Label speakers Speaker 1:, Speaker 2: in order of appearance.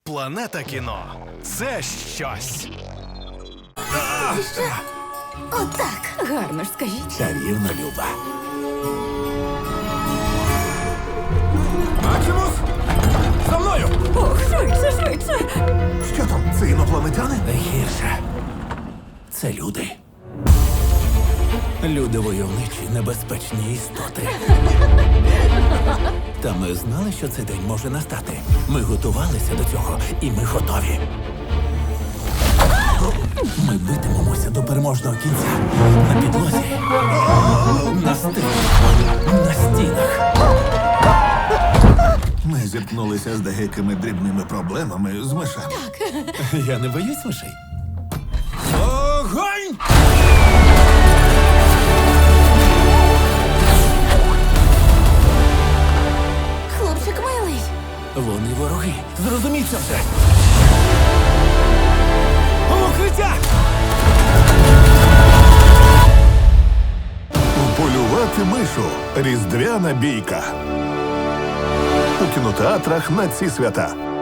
Speaker 1: Планета кіно – це щось.
Speaker 2: Отак. Гарно ж скажіть.
Speaker 3: Чарівна Люба.
Speaker 4: Максимус! За мною!
Speaker 2: Ох, швидше, швидше.
Speaker 4: Що там, це інопланетяни?
Speaker 3: Найгірше. Це люди. Люди войовничі, небезпечні істоти. Та ми знали, що цей день може настати. Ми готувалися до цього, і ми готові. Ми битимемося до переможного кінця. На підлозі, на стилі, на стінах.
Speaker 4: Ми зіткнулися з деякими дрібними проблемами з мишами.
Speaker 3: Я не боюсь мишей.
Speaker 4: Огонь!
Speaker 2: Хлопчик милий.
Speaker 3: Вони вороги. Зрозуміть це все. Укриття!
Speaker 4: Полювати мишу. Різдвяна бійка. У кінотеатрах на ці свята.